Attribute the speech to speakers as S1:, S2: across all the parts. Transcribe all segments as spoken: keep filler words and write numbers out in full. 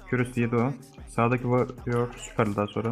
S1: Kürüs yedi o. Sağdaki Warrior süperli daha sonra.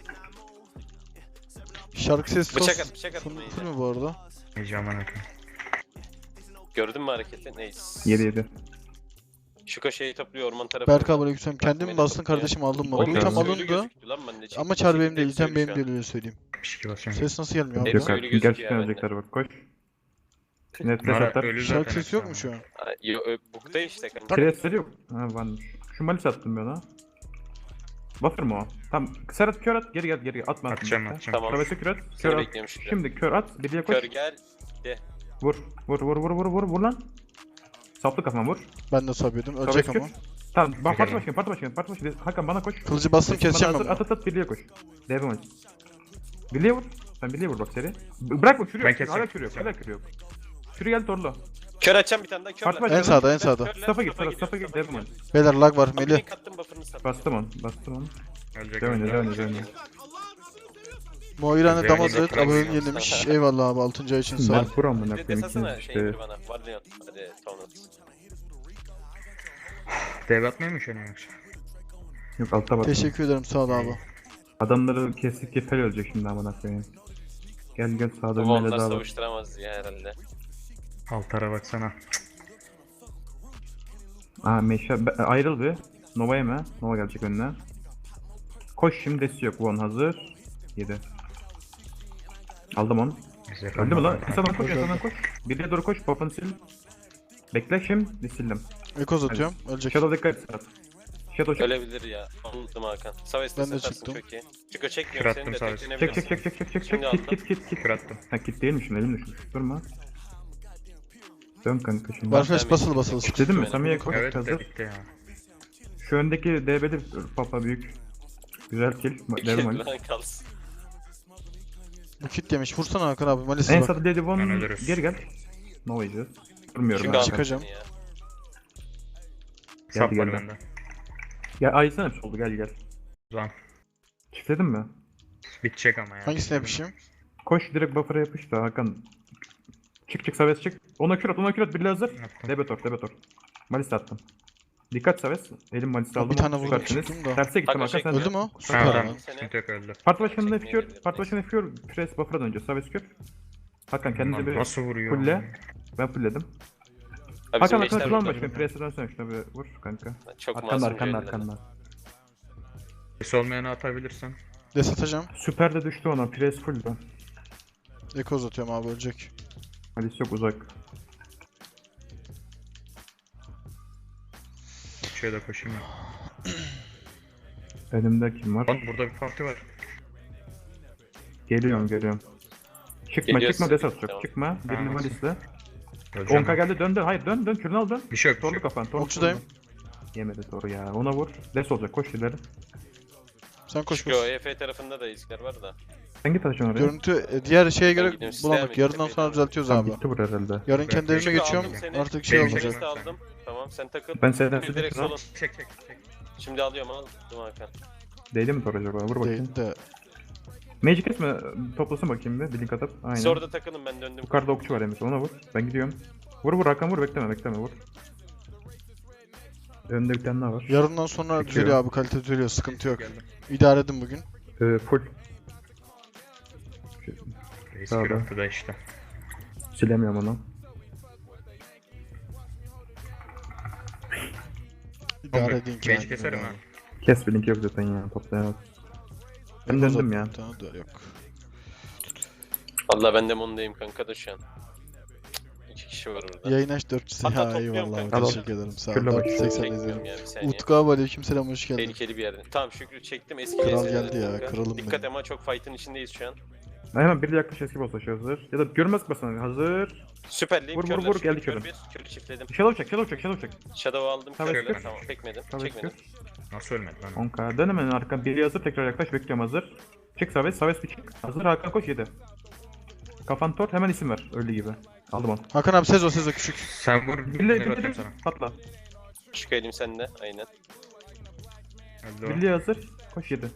S2: Şarkı sesi
S3: Bıçak
S2: tos
S3: at, bıçak at.
S2: full,
S3: neydi?
S2: full mü bu arada?
S4: Heyecan akın.
S3: Gördün mü hareketi? Neyse.
S1: yedi yedi.
S3: Şu köşeyi topluyor orman tarafına.
S2: Berk abi aleykümselam. Kendim mi bastın kardeşim aldın mı?
S1: Hoş
S2: Bu
S1: geldin.
S2: item alındı. Ama çar benim değil, item benim değil öyle söyleyeyim.
S4: altmış iki basıyorum.
S2: Ses nasıl gelmiyor abi?
S3: Hepsi
S1: Yok
S3: ölü
S1: artık.
S3: gözüküyor
S1: Gerçekten
S3: ya
S1: ölecekler bak koş. Net
S4: Bunlar
S1: atar.
S4: ölü
S2: Şarkı
S4: zaten
S2: sesi yok
S4: hepsi
S2: mu
S4: ama.
S2: şu an?
S3: Yo, ö, bukta işte kanka.
S1: Presleri yok. Ha varmış. Şu malis attım ben ona. Buffer mı o? Tamam. Serhat kör at. Geri gel geri gel. Atma.
S4: Atacağım,
S1: atma.
S4: atacağım.
S3: Tamam.
S1: Travesi kör at.
S3: Seni
S1: Kör at.
S3: bekliyorum şurada.
S1: Şimdi kör at. Birliğe koş.
S3: Kör gel. De.
S1: Vur. Vur vur vur vur vur vur lan. Saplı kafama vur.
S2: Ben de sabıyordum.
S1: Travesi
S2: Ölecek
S1: kür.
S2: ama.
S1: Tamam. Bak parti
S4: Güzel.
S1: başkanı parti başkanı parti başkanı. Hakan bana koş.
S2: Kılıcı bastım keseceğim
S1: Bana
S2: ben
S1: hazır,
S2: bunu.
S1: At at at birliğe koş. Devam et. Birliğe vur. Sen birliğe vur bak seri. B- Bırakma kürü
S4: Ben
S1: yok.
S4: keseceğim.
S1: Hala kürü yok. Hala kürü yok. Kürü gel torlu.
S3: Kör açacağım bir tane daha. Kör
S1: Parti
S3: lan.
S1: başkanı.
S2: En sağda en sağda.
S3: Körler,
S1: Staff'a git.
S3: Staff'a
S1: Staff'a
S3: gidiyor,
S1: git.
S3: Staff'a
S1: Devam et.
S3: gidiyor.
S2: Beyler lag var
S3: Abi
S2: Melih.
S3: link attım buffer'ını sat.
S1: Bastım onu. Bastım onu.
S4: Ölecek.
S1: Devam et.
S4: ölecek.
S1: Devam et. Devam et.
S2: Moirane
S4: Güzel,
S2: Damazet
S4: güzel.
S2: abonelik yenilemiş. Eyvallah abi altıncı ay için sağ ol.
S1: Ben kur amına
S3: Bir de
S1: koyayım
S3: desasana
S1: ikiniz
S3: şey
S1: işte.
S3: bana. Var Leon. Hadi Tonut.
S4: Dev atmıyor mu şöyle yoksa?
S1: Yok altta bak.
S2: Teşekkür ederim sağ ol abi.
S1: Adamları kesik kefel ölecek şimdi amına koyayım. Gel gel sağda
S3: Bu
S1: bir mele
S3: onlar
S1: daha var.
S3: savuşturamaz ya herhalde.
S4: Altara baksana.
S1: Aa meşe be- ayrıl bir. Nova yeme. Nova gelecek önüne. Koş şimdi desi yok. One hazır. yedi. Aldım onu.
S4: Güzel.
S1: Öldü mü lan? Kısadan koş,
S2: Öldü,
S1: kısadan
S2: öldü.
S1: koş. Birliğe doğru koş, pop'unu sil. Bekle şimdi, sildim.
S2: Ekoz atıyorum. Ölecek.
S1: Shadow dikkat et. Shadow çek.
S3: Ölebilir ya. Unuttum Hakan. Saves'te
S2: Ben de
S3: satarsın
S2: çıktım.
S3: çok iyi. Çıko çekmiyorum
S4: Kür
S3: seni de
S4: attım Saves'e.
S1: Çek
S3: teklenebilirsin.
S1: çek çek çek çek çek çek.
S3: Şimdi
S1: Kit
S3: aldım.
S1: kit kit kit.
S4: Kür attım.
S1: Ha kit değilmiş mi? Elim düşmüş. Durma. Dön kanka şimdi.
S2: Warflash basılı basılı.
S1: Dedim mi?
S3: Benim.
S1: Samiye koş
S4: Evet
S1: hazır.
S4: dedikte ya.
S1: Şu öndeki D B'li papa büyük. Güzel kill. Devam et.
S3: Lan kalsın.
S2: Bu kit yemiş. Vursana Hakan abi. Malisi
S1: En
S2: bak.
S1: sağda Lady
S4: Ben
S1: One
S4: ölürüz.
S1: geri gel. Nova yiyeceğiz. Durmuyorum
S3: Şimdi
S1: ben.
S3: aldım
S2: çıkacağım.
S3: seni ya.
S4: Sap var
S1: geldi.
S4: bende.
S1: Ya aysana bir soldu gel gel.
S4: Ulan.
S1: Çiftledin mi?
S4: Bitecek ama ya.
S2: Hangisine yapışayım?
S1: Koş direkt buffer'a yapış da Hakan. Çık çık Saves çık. Ona kür at ona kür at birliğe hazır.
S4: Yaptım.
S1: Debetor Debetor. Malis attım. Dikkat Saves. Elim Malis'i aldım.
S2: Bir tane vurdum,
S1: Süpersiniz.
S2: çıktım da.
S1: Terse gittim
S3: Hakan
S1: Hakan sen.
S3: çekmiyor.
S2: Öldü mü o?
S4: Ha,
S2: Süper
S4: tamam.
S2: lan.
S4: Sıkıntı yok öldü.
S1: Parti başkanı da
S3: Çekmeyebilir,
S1: Fiyor. Parti başkanı Fiyor. Press buffer'a döneceğiz. Saves kür. Hakan kendinize
S4: Lan
S1: bir
S4: nasıl vuruyor?
S1: fulle. Ben fullledim.
S3: Abi
S1: Hakan
S3: bizim
S1: Hakan
S3: eşler
S1: kullan
S3: burada.
S1: başkanı. Press'e dönsene şuna bir vur kanka.
S3: Çok
S1: Arkanda
S3: masum
S1: arkanda
S3: şeyler.
S1: arkanda.
S4: Ses olmayanı atabilirsen.
S2: Des atacağım.
S1: Süper de düştü ona. Press full da.
S2: Ekoz atıyorum abi ölecek.
S1: Malis yok uzak.
S4: Şöyle koşayım ya.
S1: Önümde kim var?
S4: Lan burada bir parti var.
S1: Geliyorum geliyorum. Çıkma
S3: Geliyorsun.
S1: çıkma des atacak.
S3: Tamam.
S1: Çıkma. Birini
S4: Tamam.
S1: Malis'le.
S4: Öleceğim.
S1: on K geldi dön dön. Hayır dön dön. Kürünü al dön.
S4: Bir şey yok. Bir şey
S1: Torlu
S4: yok.
S1: kafan. Torlu
S2: Okçudayım.
S1: torlu. Yemedi toru ya. Ona vur. Des olacak. Koş ileri.
S2: Sen koş
S3: Çünkü o
S2: koş.
S3: E F tarafında da izler var da.
S1: Sen git açın oraya.
S2: Görüntü e, diğer şeye
S3: Ben
S2: göre
S3: gidiyorum,
S2: bulanık.
S3: sistem
S2: Yarından
S3: yok,
S2: sonra
S3: tepeye
S2: düzeltiyoruz
S1: Tamam
S2: abi.
S1: bitti bu herhalde.
S2: Yarın kendi evime
S3: Çünkü
S2: geçiyorum.
S3: aldım seni.
S2: Artık şey
S4: Benim
S2: olmayacak.
S3: Saves'te aldım. Tamam sen takıl.
S1: Ben seyden
S3: Bir direkt solun.
S4: Çek çek çek.
S3: Şimdi alıyorum aldım Hakan.
S1: Değdi mi tor acaba? Vur bakayım.
S2: Değil de.
S1: Magic kesme. Toplasın bakayım bir. Bir link atıp. Aynen.
S3: Siz orada takılın ben döndüm.
S1: Yukarıda okçu var Emir. Ona vur. Ben gidiyorum. Vur vur Hakan vur. Bekleme bekleme vur. Önünde bir tane daha var.
S2: Yarından sonra
S1: Bitiyor.
S2: düzeliyor abi. Kalite düzeliyor. Sıkıntı yok.
S4: Geldim.
S2: İdare edin bugün.
S1: Ee, full.
S4: Reis
S1: Sağda.
S4: kür attı da işte.
S1: Silemiyorum onu.
S2: İdare
S4: Oğlum,
S2: edin ki.
S4: Mage keserim ha.
S1: Kes bir link yok zaten ya. Toplayamaz. Ben döndüm ya.
S2: Tamam da yok.
S3: Valla ben de Mondayım kanka da şu an. İki kişi var orada.
S2: Yayın aç dört yüz.
S3: Hatta
S2: Ya
S3: topluyorum
S2: eyvallah abi.
S3: kanka.
S2: Teşekkür ederim. Sağ ol.
S1: Şöyle bak.
S2: dört yüz seksen
S3: Çekmiyorum
S2: izlerim.
S3: ya bir saniye.
S2: Utku abi aleykümselam hoş geldin.
S3: Tehlikeli bir yerde. Tamam Şükrü çektim eski
S2: Kral
S3: lezzetleri
S2: geldi ya,
S3: kanka.
S2: kralım
S3: Dikkat
S2: benim.
S3: ama çok fight'ın içindeyiz şu an.
S1: Hemen bir de yaklaş eski boss taşı hazır. Ya da görmez basana hazır.
S3: Süperliyim.
S1: Vur, vur,
S3: körler,
S1: vur,
S3: Şükrü,
S1: geldi
S3: kör
S1: körüm.
S3: bir. Körü çiftledim.
S1: Shadow çek, shadow çek, shadow çek.
S3: Shadow aldım.
S1: Tamam,
S3: Körler.
S4: kür.
S3: Tamam çekmedim.
S1: Saves
S3: Çekmedim.
S1: kür.
S4: Nasıl ölmedi lan?
S1: on K. Dön hemen arkan. Biri hazır tekrar yaklaş. Bekliyorum hazır. Çık Saves. Saves bir çık. Hazır Hakan koş yedi. Kafan tor. Hemen isim ver. Öldü gibi. Aldım onu.
S2: Hakan abi Sezo Sezo küçük.
S4: Sen vur.
S1: Birliğe
S4: Ne
S1: birliğe
S4: atıyorum sana?
S1: patla.
S3: Şükrü elim sende. Aynen.
S4: Öldü o.
S1: Birliğe hazır. Koş yedi.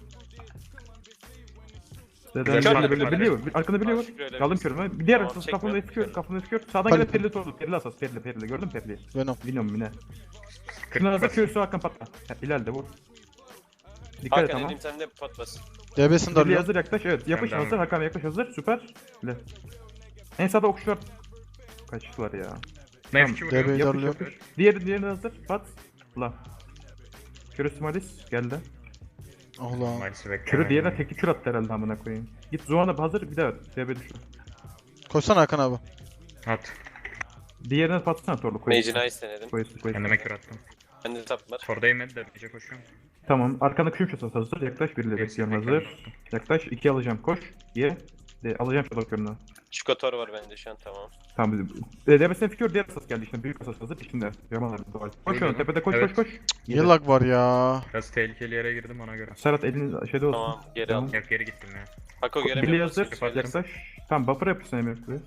S1: Zeden
S4: Güzel
S1: birliğe
S4: bir
S1: birliğe
S4: hareket.
S1: birliğe vur. Arkanda birliğe
S3: Aa,
S1: vur.
S3: Şükrü öyle
S1: Aldım
S3: bir-
S1: körümü. Bir diğer
S3: Tamam,
S1: kafamda
S3: çekmiyorum.
S1: eski kör. Kafamda eski kör. Sağdan
S2: Pali-
S1: gelen perili torlu. Perili asas. Perili perili. Gördün mü periliyi?
S2: Venom.
S1: Bilmiyorum yine. Şuna hazır
S4: bas.
S1: Q'su Hakan patla. Ha, ileride vur. Dikkat et
S3: Hakan
S1: tamam.
S3: elim sende pot bas.
S2: D B'sini
S1: Birliğe
S2: darlıyor.
S1: hazır yaklaş. Evet yapış
S4: Ben de
S1: hazır. Hakan yaklaş hazır. Süper. Bile. En sağda okçular. Kaçtılar ya.
S4: Mevki
S2: D
S4: vuruyor.
S2: B'yi
S1: Yapış
S2: darlıyor.
S1: yapış. Diğeri diğeri hazır. Pat. La. Kürü Malis geldi.
S2: Oh lan.
S4: Maalesef beklemedim.
S1: Kürü diğerine teki kür attı herhalde amına koyayım. Git Zuhan'a hazır bir daha at. D B düşür.
S2: Koşsana Hakan abi.
S4: At.
S1: Diğerine patsana torlu koy.
S3: Mage'ini ice denedim.
S1: Koy koy.
S4: Kendime kür attım.
S3: Bende tap var.
S4: Torda yemedi de iyice koşuyorum.
S1: Tamam. Arkanda küşüm şasası hazır. Yaklaş biriyle
S4: Gerisi
S1: bekliyorum
S4: bekliyorum.
S1: hazır. Yaklaş iki alacağım. Koş. Ye. De, alacağım shadow körünü.
S3: Çikotor var bende şu an tamam.
S1: Tamam. E, D B'sine fikir diğer asas geldi işte. Büyük asas hazır. İçinde. Yaman abi doğru. Koş
S4: Duydum.
S1: onu tepede koş
S4: Evet.
S1: koş koş.
S2: Niye lag var ya?
S4: Biraz tehlikeli yere girdim ona göre.
S1: Serhat elini şeyde olsun.
S3: Tamam geri
S1: Tamam.
S3: al.
S4: Yok geri gittim ya.
S3: Hako
S1: Birliğe
S3: göremiyorum.
S1: hazır.
S4: Yaparım.
S1: Yaklaş. Tamam buffer yapıyorsun Emir buraya.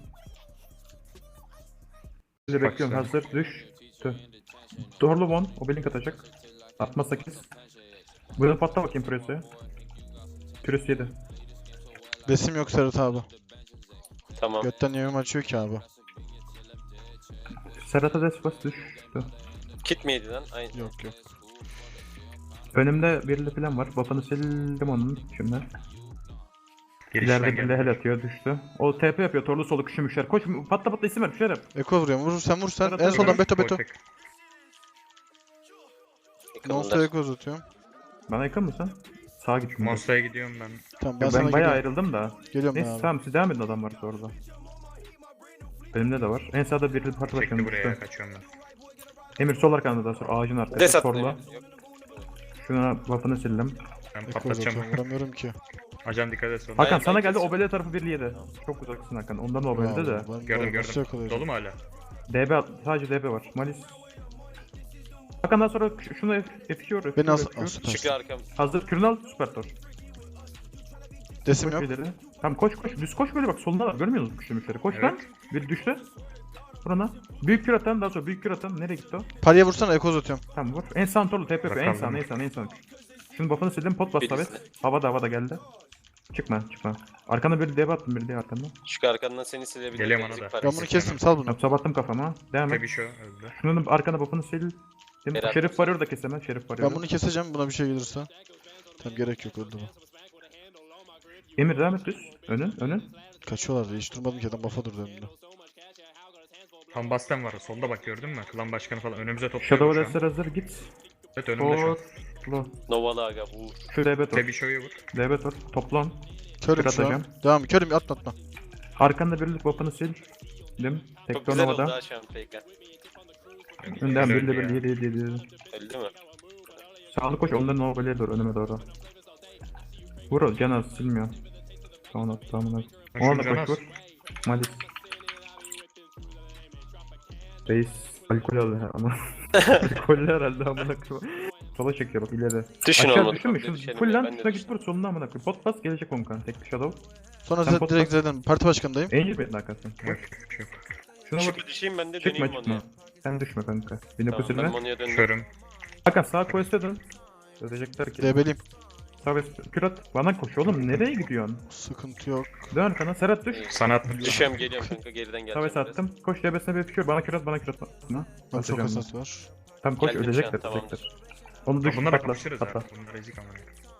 S1: Sizi bekliyorum
S4: Baksana.
S1: hazır. Düş. Tüh. Doğrulu bon. O belink atacak. Atma sekiz. Buyurun patla bakayım Püresi. Püresi yedi.
S2: Besim yok Serhat abi.
S3: Tamam.
S2: Götten yemim açıyor ki abi.
S1: Serhat'a des bas düş. Tüh.
S3: Kit miydi lan? Aynen.
S2: Yok yok.
S1: Önümde birli falan var. Buff'ını sildim onun şimdi.
S4: Girişten
S1: İleride birli
S4: geldim.
S1: hel atıyor düştü. O T P yapıyor. Torlu solu küşümüşler. Koş patla patla isim ver. Bir şeyler yap.
S2: Eko vuruyorum. Vur sen vur sen.
S1: Serhat
S2: En
S1: abi.
S2: soldan beto beto.
S4: Botek.
S2: Monster'a
S3: Yakınlar.
S2: eko uzatıyorum.
S1: Bana yakın mısın? Sağa git. şimdi.
S4: Monster'a gidiyorum ben.
S2: Tamam ben,
S1: Ben,
S2: sana
S1: ben bayağı
S2: geliyorum.
S1: ayrıldım da.
S2: Geliyorum ben
S1: Neyse
S2: abi.
S1: tamam siz devam edin adam varsa orada. Elimde de var. En sağda birli parti
S4: Çekti
S1: başkanı
S4: buraya
S1: düştü.
S4: kaçıyorum ben.
S1: Emir sol arkanda daha sonra ağacın arkasında.
S3: Des attı.
S1: Torla.
S3: Emir. Yok.
S1: Şuna buff'ını sildim.
S4: Ben
S2: Eko
S4: patlatacağım.
S2: uzatıyorum. Vuramıyorum ki.
S4: Ajan dikkat et sonra.
S1: Hakan
S3: Hayır,
S1: sana
S3: ben
S1: geldi.
S3: kesiyorum.
S1: Obele tarafı birli yedi. Çok uzaksın Hakan. Ondan obelde de.
S2: Vallahi ben
S4: Gördüm
S2: böyle nasıl
S4: gördüm.
S2: yakalayacağım?
S4: Dolu mu hala?
S1: D B at- sadece D B var. Malis. Hakan daha sonra ş- şunu F iki vur.
S2: Beni al.
S1: F iki vur.
S2: Al
S3: Çıkıyor
S2: süpersin.
S3: arkam.
S1: Hazır. Kürünü al. Süper tor.
S2: Desim
S1: Koş
S2: yok.
S1: ileri. Tamam koş koş. Düz koş böyle bak. Solunda var. Görmüyor musun küşümüşleri? Koş lan.
S4: Evet.
S1: Bir düştü. Burana. Büyük kür atan daha sonra büyük kür atan. Nereye gitti o?
S2: Paraya vursana eko uzatıyorum.
S1: Tamam vur. En sağ torlu T P yapıyor. En
S4: Bakalım.
S1: sağ en sağ en sağ. Şunun buff'ını sildim. Pot bas
S3: Birisi.
S1: Savet. Havada havada geldi. Çıkma çıkma. Arkana bir D B attım bir D arkanda.
S3: Çık arkandan seni silebilir.
S4: Geliyorum
S3: Ezik
S4: ona da.
S3: parası.
S2: Ben bunu kestim sal bunu.
S1: Tamam sabattım kafama. Devam et.
S4: Tabii şu öldü.
S1: Şunun arkana buff'ını sil. Değil mi?
S3: Berat.
S1: Şerif varıyor da kesemez. Şerif varıyor.
S2: Ben bunu keseceğim buna bir şey gelirse. Tamam gerek yok öldü bu.
S1: Emir devam et düz. Önün önün.
S2: Kaçıyorlar hiç durmadım ki adam buff'a durdu önümde.
S4: Tam Bastem var. Solda bak gördün mü? Klan başkanı falan önümüze topluyor
S1: Shadow
S4: şu an.
S1: Dester hazır git.
S4: Evet önümde şu an.
S1: Torlu.
S3: Novalı aga vur.
S1: Şu D B tor.
S4: Tabii şoyu vur.
S1: D B tor. Toplan.
S2: Körüm
S1: Kür
S2: şu an.
S1: atacağım.
S2: Devam körüm atma atma.
S1: Arkanda birlik buff'ını sil. Dim.
S3: Çok
S1: Tekton
S3: güzel oldu
S1: havada.
S3: ha şu an Peyka.
S1: Önden
S4: Güzel
S1: birli
S4: ya.
S1: birli yedi yedi yedi.
S3: Öldü mü?
S1: Sağlı koş onların overlay doğru önüme doğru. Vur o can az silmiyor. Sonra tamamına.
S4: Şunu
S1: Ona da
S4: can
S1: koş
S4: az.
S1: vur. Malis. Reis alkol aldı her ama. Alkollü herhalde amına koyayım. Sola çekiyor bak ileri.
S3: Düşün
S1: Aşağı
S3: olmadı.
S1: düşün mü?
S3: bak,
S1: Şu
S3: düşelim
S1: full
S3: ya,
S1: lan
S3: ben de
S1: şuna git
S3: düştüm.
S1: vur sonuna amına koyayım. Pot bas gelecek onkan. Tek shadow.
S2: Sonra
S1: Sen
S2: Z-
S1: pot
S2: direkt
S1: bas.
S2: zaten parti başkanındayım.
S1: Angel Bed'in arkasın.
S4: Yok
S1: Koş.
S4: yok.
S1: Şuna vur.
S3: Çıkma düşeyim ben de
S1: Çıkma
S3: döneyim
S1: çıkma.
S3: onu.
S1: Sen düşme kanka. Beni
S3: Tamam ben
S1: kusurma.
S3: Monu'ya döndüm.
S4: Körüm.
S1: Hakan sağ quest'e dön. Ödeyecekler ki.
S2: D B'liyim.
S1: Sağ quest. Kürat. Bana koş oğlum. Nereye gidiyorsun?
S2: Sıkıntı yok.
S1: Dön arkana. Serhat düş.
S4: Sana attım.
S3: Düşüyorum geliyorum kanka geriden
S1: Sağ
S3: geleceğim
S1: quest attım. Koş D B'sine bir fikir. Bana kürat bana kürat. Bana.
S2: Ben çok
S1: Atacağım
S2: hasat var.
S1: Tam koş
S3: Geldim şu
S1: ölecekler.
S3: an, tamamdır.
S1: ölecekler. Onu düş
S4: Bunlara
S1: patla.
S4: kapışırız
S1: Patla.
S4: ha. Bunlar ezik ama.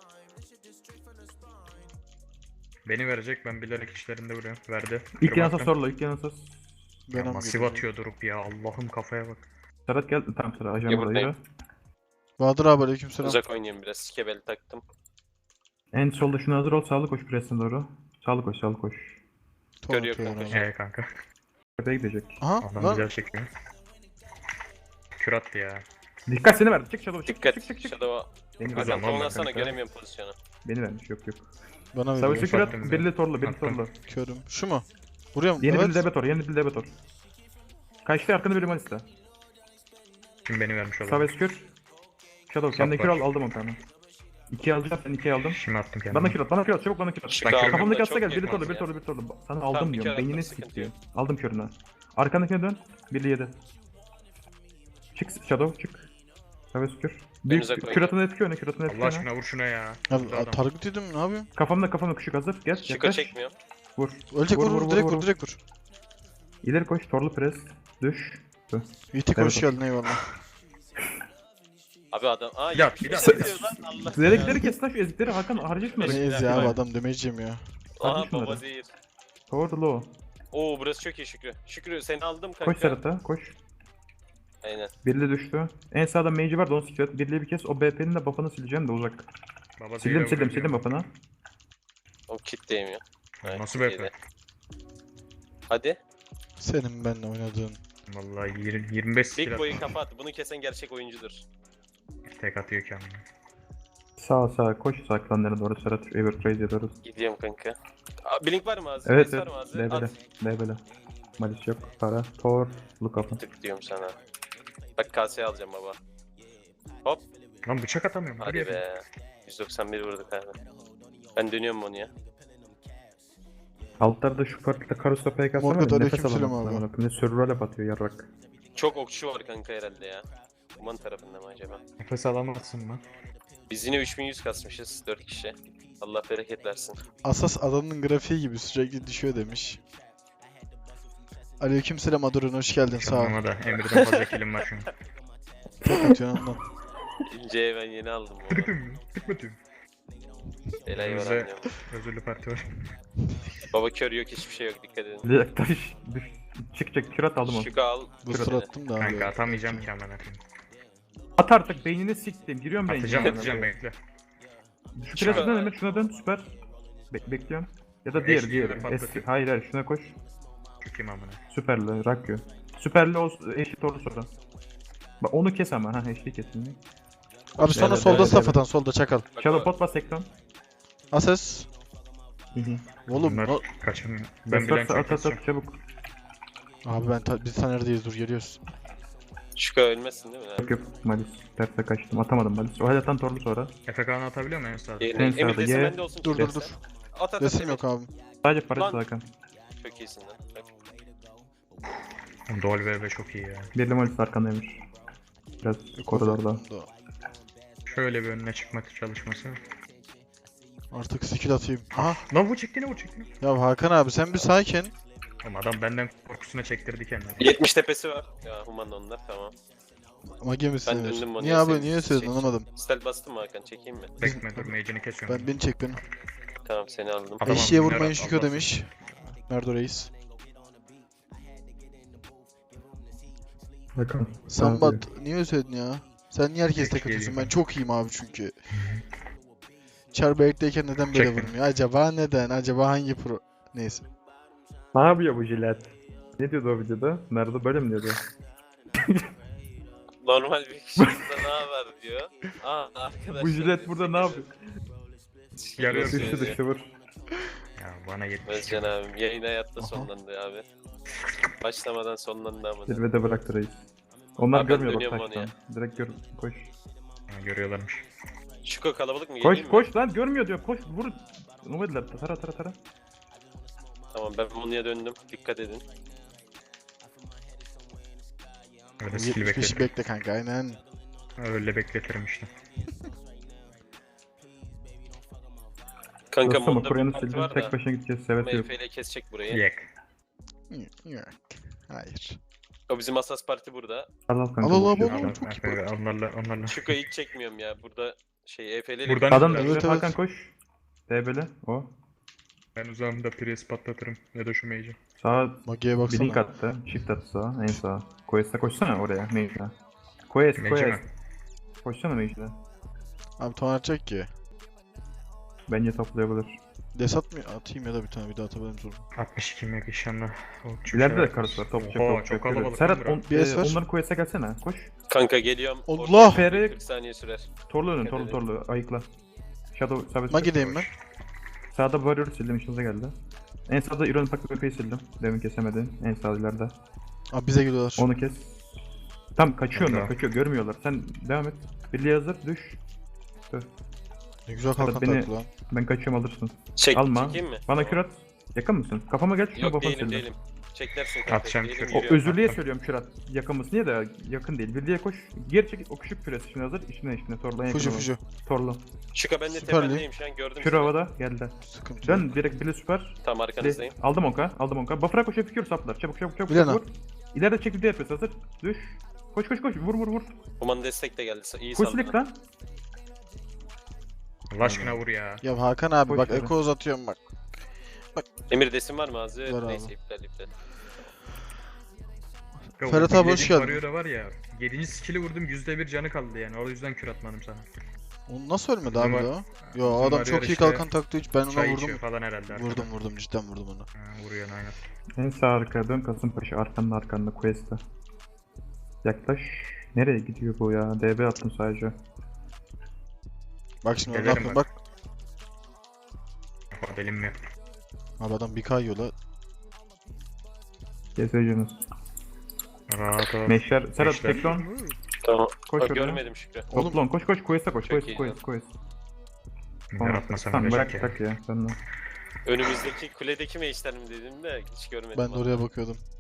S4: Beni verecek ben bilerek işlerinde vuruyorum. Verdi.
S1: İlk
S4: Kırım
S1: yanasa
S4: attım.
S1: sorla. İlk yanasa.
S4: Ya
S2: Ben
S4: masif atıyor durup ya. Allah'ım kafaya bak.
S1: Serhat gel. Tamam Serhat. Ajan
S3: Ya
S1: buradaydı.
S3: buradayım.
S2: Bahadır abi aleykümselam.
S3: Uzak oynayayım biraz. Skebel taktım.
S1: En solda şuna hazır ol. Sağlı koş presine doğru. Sağlı koş. Sağlı koş.
S2: Tuvalet
S3: Görüyor
S2: yiyorum
S3: kanka.
S2: abi.
S4: Ee kanka.
S1: Tepeye gidecek.
S2: Aha
S4: Adam
S2: lan.
S4: güzel çekiyor. Kür attı ya.
S1: Dikkat seni verdi. Çık Shadow. Çık
S3: Dikkat.
S1: çık çık çık.
S3: Shadow'a.
S1: Beni
S4: Hadi
S1: verdi.
S3: Azam
S4: Tamam,
S3: onu alsana
S1: kanka.
S3: göremiyorum pozisyonu.
S1: Beni vermiş. Yok yok.
S2: Bana
S1: Savaşı
S2: veriyor.
S1: kürat.
S4: Attım
S1: Birli torlu. Birli
S4: Attım.
S1: torlu.
S2: Körüm. Şu mu? Vuruyor mu?
S1: Yeni
S2: Evet.
S1: bir debetor. Yeni bir debetor. Kaçtı arkanda bir limanista.
S4: Şimdi beni vermiş
S1: Sağ
S4: oldu.
S1: ve kür. Shadow kendine kür al. Aldım onu tane. İkiye alacağım. Ben ikiye aldım.
S4: Şimdi attım kendimi.
S1: Bana kür at. Bana kür at. Çabuk bana kür at.
S3: Çık
S4: Ben
S3: abi,
S4: körüm.
S1: Kafamdaki
S3: ben
S1: atsa
S3: çok
S1: gel. Bir
S3: yakınım
S1: torlu, bir
S3: ya.
S1: torlu, bir torlu. Sana
S3: Tamam,
S1: aldım
S3: bir
S1: diyorum.
S3: kere
S1: Beynine
S3: atmak
S1: skip
S3: sıkıntı
S1: diyor.
S3: yok.
S1: Aldım körüne. Arkandakine dön. Birli yedi. Çık Shadow çık. Saves kür. Büyük
S3: uzak oynayayım.
S1: küratını etki öne, küratını etki
S4: Allah
S1: öne.
S4: aşkına vur şuna ya.
S2: Abi
S4: Burada adam.
S2: target yedim ne yapayım?
S1: Kafamda kafamda küçük hazır. Gel
S3: Şiko
S1: yaklaş.
S3: çekmiyor.
S1: Vur.
S2: Ölecek vur
S1: Vur,
S2: vur,
S1: vur,
S2: direkt
S1: vur,
S2: vur,
S1: vur.
S2: direkt vur.
S1: İleri koş. Torlu pres. Düş.
S2: Yiğitik
S1: Evet,
S2: hoş
S1: hoş.
S2: geldin eyvallah.
S3: Abi adam. Aa
S4: Bir daha,
S3: yetmiş
S4: bir daha,
S3: beş
S4: bir daha.
S3: diyor lan Allah.
S1: Zedekleri kes lan şu ezikleri Hakan harcı şunları.
S2: Neyiz ya abi adam demeyeceğim ya.
S3: Aha
S1: Harcı şunları.
S3: baba zehir.
S1: Torlu.
S3: Oo burası çok iyi Şükrü. Şükrü seni aldım kanka.
S1: Koş Serhat'a koş.
S3: Aynen.
S1: Birli düştü. En sağda mage'i var da onu sikret. Birliği bir kez o B P'nin de buff'ını sileceğim de uzak.
S4: Baba
S1: Sildim
S4: zehre
S1: sildim
S4: vuruyor.
S1: sildim buff'ını.
S3: O kitleyim ya.
S4: Ya, Nasıl
S3: Evet,
S4: be?
S3: yedi. Hadi.
S2: Senin benimle oynadığın.
S4: Vallahi yirmi, yirmi beş
S3: Big
S4: skill
S3: boy'u
S4: atmış.
S3: kapat. Bunu kesen gerçek oyuncudur.
S4: Tek atıyor kendine.
S1: Sağ sağ koş sağ klanlara doğru Serhat. Evertrace ediyoruz.
S3: Gidiyorum kanka. Aa, Blink var mı ağzı?
S1: Evet
S3: Blink
S1: evet.
S3: var mı ağzı?
S1: Lebele.
S3: At.
S1: Lebele. Malis yok. Para. Tor. Lukap'ın.
S3: Tık diyorum sana. Bak kaseye alacağım baba. Hop.
S4: Lan bıçak atamıyorum.
S3: Hadi
S4: Hadi
S3: be. yüz doksan bir vurduk abi. Ben dönüyorum onu ya.
S1: Altlarda şu parkta Karus P K
S2: Morgat,
S1: var ya nefes
S2: aleykümselam
S1: alamaz.
S2: abi.
S1: Bak ne survival atıyor yarrak.
S3: Çok okçu var kanka herhalde ya. Kuman tarafında mı acaba?
S4: Nefes alamazsın lan.
S3: Biz yine üç bin yüz kasmışız dört kişi. Allah bereket versin.
S2: Asas adamın grafiği gibi sürekli düşüyor demiş. Aleykümselam Adorun hoş geldin sağ ol.
S4: Ama da Emir'den fazla kilim var şu an.
S2: Çok atıyorsun ondan.
S3: İnce'ye ben yeni aldım bunu.
S4: Tıkıtım. Tıkmadım.
S3: Elayı var
S4: Önümüzde-
S3: anlıyorum.
S4: Özürlü parti var.
S3: Baba kör yok hiçbir şey yok dikkat edin.
S1: Bir taş düş. Çık çık kürat aldım onu.
S3: Şükrü al.
S2: Booster
S3: Şükrü.
S2: attım da abi.
S4: Kanka atamayacağım ki amına koyayım.
S1: At artık beynini siktim. Giriyorum beynine.
S4: Atacağım atacağım bekle.
S1: Şu kirasından Emir şuna dön süper. Bek bekliyorum. Ya da diğer
S4: Eşli
S1: diğer.
S4: de patlatıyor.
S1: Eski. Hayır hayır şuna koş.
S4: Çökeyim amına.
S1: Süperli Rakyo. Süperli o eşit ordu sonra. Bak onu kes ama ha eşli kesin.
S2: Abi sonra
S1: Evet,
S2: solda
S1: evet,
S2: safhatan solda çakal.
S3: Bak
S1: Shadow
S3: o-
S1: pot bas ekran.
S2: Ases.
S1: Hı hı.
S2: Oğlum
S4: Bunlar
S2: o-
S4: kaçamıyor. Ben
S1: Bas,
S4: bilen
S1: at
S4: çok
S1: at
S4: keseceğim.
S1: at çabuk.
S2: Abi ben ta- biz Taner'deyiz dur geliyoruz.
S3: Şükrü ölmezsin değil mi lan?
S1: Yok yok Malis. Terse kaçtım. Atamadım Malis. O halden torlu sonra.
S4: Efe Kaan'ı atabiliyor muyum en sağda?
S3: Yeni-
S1: En
S3: Emir
S1: sağda
S3: desin
S1: ye.
S3: bende olsun.
S2: Dur
S3: kim
S2: dur dur.
S3: derse. At at at.
S2: Resim
S3: Emir.
S2: yok abi.
S1: Sadece parası
S3: Lan.
S1: Hakan.
S3: Çok iyisin lan. Bak.
S4: Dol ve çok iyi ya.
S1: Birli Malis arkandaymış. Biraz koridorda.
S4: Şöyle bir önüne çıkma çalışması.
S2: Artık skill atayım. Aha.
S4: Lan bu çekti ne bu çekti ne?
S2: Ya Hakan abi sen bir sakin.
S4: Oğlum adam benden korkusuna çektirdi kendini.
S3: yetmiş tepesi var. Ya human onlar tamam.
S2: Mage misin?
S3: Ben döndüm onu
S2: Niye
S3: ya,
S2: abi
S3: sen-
S2: niye söyledin
S3: şey-
S2: anlamadım.
S3: Stel bastım mı Hakan çekeyim mi?
S4: Bekme dur mage'ini kesiyorum.
S2: Ben beni çek beni.
S3: Tamam seni aldım.
S4: Tamam,
S2: Eşeğe
S4: bunlar
S2: vurmayın
S4: Allah
S2: Şükrü
S4: Allah.
S2: demiş. Merdo Reis.
S1: Hakan.
S2: Sambat niye özledin ya? Sen niye herkes tek
S4: Eşeğe
S2: atıyorsun?
S4: değil
S2: Ben
S4: mi?
S2: çok iyiyim abi çünkü. Char bekleyken neden böyle
S4: Çektim.
S2: vurmuyor? Acaba neden? Acaba hangi pro? Neyse.
S1: Ne yapıyor bu jilet? Ne diyordu o videoda? Nerede böyle mi diyordu?
S3: Normal bir kişi burada ne haber diyor. Aa arkadaşlar.
S1: Bu jilet burada ne yapıyor?
S4: Yarıyor
S1: Düştü
S3: Düştü
S1: düştü vur.
S4: Ya bana yetmiş.
S3: Özcan abim yayın hayatta
S2: Aha.
S3: sonlandı abi. Başlamadan sonlandı ama.
S1: Zirvede bıraktı reis. Onlar
S3: Abi ben
S1: görmüyor bak
S3: dönüyorum onu
S1: taştan. Direkt gör koş.
S4: Ha, görüyorlarmış.
S3: Şuko kalabalık mı
S1: Koş
S3: geleyim mi?
S1: koş lan görmüyor diyor koş vur. Nomadiler tara tara tara.
S3: Tamam ben Monu'ya döndüm. Dikkat edin.
S4: Öyle skill
S2: yetmiş beşi
S4: bekletir.
S2: bekle kanka aynen.
S4: Öyle bekletirim işte.
S3: Kanka
S1: Dostum
S3: Monu'da bir
S1: Koreyan'ı
S3: parti
S1: sildim
S3: var
S1: tek
S3: da.
S1: başına gideceğiz sevet yok.
S3: M F ile kesecek burayı.
S4: Yek.
S2: Yok. Hayır.
S3: O bizim Asas Parti burada.
S1: Al al kanka.
S2: Al, al, al,
S1: boş ver.
S2: al.
S4: Adam-
S2: çok iyi
S4: Efe, onlarla onlarla.
S3: Şuko'yu hiç çekmiyorum ya. Burada şey E F ile
S4: Buradan
S1: Adam da
S2: Evet,
S1: evet,
S2: evet.
S1: Hakan koş. D B'li o.
S4: Ben uzağımda pres patlatırım. Ya da şu mage'i.
S1: Sağa
S2: Mage'ye
S1: bir link
S2: baksana.
S1: attı. Shift attı sağa en sağa. Quest'e koşsana oraya mage'e. Quest
S4: Mage
S1: Quest.
S4: mi?
S1: Koşsana mage'e.
S2: Abi ton atacak ki.
S1: Bence toplayabilir.
S2: Desat mı atayım ya da bir tane bir daha atabilirim sonra.
S4: altmış iki meg inşallah. O çok
S1: İleride
S4: şey
S1: de karısı var. Topçu
S4: Oha,
S1: topçu.
S4: çok kalabalık.
S1: Serhat
S4: lan
S1: on,
S2: Bir
S1: e,
S2: es ver.
S1: onların Quest'e gelsene. Koş.
S3: Kanka geliyorum.
S2: Allah!
S3: Orada
S1: Fere-
S3: kırk saniye sürer.
S1: Torlu önün
S3: Dikkat
S1: torlu
S3: edin.
S1: torlu. Ayıkla. Shadow sabit.
S2: Mage'deyim ben.
S1: Sağda Warrior sildim işinize geldi. En sağda Iron Pack Böpe'yi sildim. Demin kesemedin. En sağ ileride.
S2: Abi bize geliyorlar.
S1: Onu kes. Tam kaçıyor onlar
S4: Tamam.
S1: kaçıyor görmüyorlar. Sen devam et. Birliğe hazır düş.
S2: Ne güzel kalkan
S1: beni-
S2: taktı lan.
S1: Ben kaçıyorum alırsın.
S3: Çek,
S1: Alma.
S3: çekeyim mi?
S1: Bana
S3: Tamam.
S1: kürat. Yakın mısın? Kafama gel şuna
S3: Yok
S1: bafanı
S3: değilim
S1: sildim.
S3: değilim. Çeklersin kanka.
S4: Atacağım
S3: değilim,
S4: şöyle.
S1: O
S3: yürüyorum.
S1: özürlüye
S4: Attım.
S1: söylüyorum kürat. Yakın mısın diye de yakın değil. Birliğe koş. Geri çek o küçük püresi şimdi hazır. İçine içine torla.
S2: Fuji fuji.
S1: Torlu.
S3: Şuko ben de
S2: Süper
S3: tependeyim şu an gördüm
S1: Kür
S3: seni.
S1: havada geldi.
S2: Sıkıntı yok.
S1: Dön direkt birli süper.
S3: Tam
S1: Birli.
S3: arkanızdayım.
S1: Aldım onka. Aldım onka. Buffer'a koşuyor fikir saplar. Çabuk çabuk çabuk.
S2: Bilena.
S1: Vur. İleride çekildi yapıyoruz hazır. Düş. Koş koş koş. Vur vur vur.
S3: Kuman destek de geldi. İyi
S1: Koş
S3: saldın.
S1: silik lan.
S4: Allah aşkına vur ya.
S2: Ya Hakan abi
S1: Boş
S2: bak
S1: ver.
S2: eko uzatıyorum bak.
S3: Emir desin var mı ağzı?
S2: Var abi.
S3: Neyse iptal iptal.
S4: Ya o
S2: Ferhat abi hoş
S4: bildiğin
S2: geldin.
S4: Warrior'a var ya. yedinci skill'i vurdum yüzde bir canı kaldı yani. O yüzden kür atmadım sana.
S2: O nasıl ölmedi
S4: Bizim
S2: abi
S4: var-
S2: de o?
S4: Bizim
S2: Yo adam
S4: var
S2: çok
S4: ya
S2: iyi
S4: işte,
S2: kalkan taktı hiç ben ona
S4: Çay
S2: vurdum.
S4: içiyor falan herhalde. arkada.
S2: Vurdum vurdum cidden vurdum onu.
S4: Ha, vuruyorsun aynen.
S1: En sağ arkaya dön Kasımpaşa. Arkanda arkanda Quest'e. Yaklaş. Nereye gidiyor bu ya? D B attım sadece.
S2: Bak şimdi ne
S4: Gelirim
S2: yapayım
S4: bak.
S2: bak.
S4: Bak elim mi?
S2: Abi adam bir kayıyor la.
S1: Gezeceğiniz.
S4: Rahat ol.
S1: Meşler. Serhat
S4: Meşler.
S1: Teklon.
S3: Tamam.
S1: Koş
S3: Bak,
S1: oraya.
S3: görmedim Şükrü.
S2: Oğlum-
S1: Toplon. Koş koş Quest'e koş.
S3: Çok
S1: Quest
S3: iyi
S1: Quest Quest.
S4: Ben atmasam
S1: Tamam
S4: ölecek
S1: bırak
S4: ya.
S1: bırak ya. Sen de.
S3: Önümüzdeki kuledeki meşler mi dedim de hiç görmedim.
S2: Ben de
S3: vallahi.
S2: oraya bakıyordum.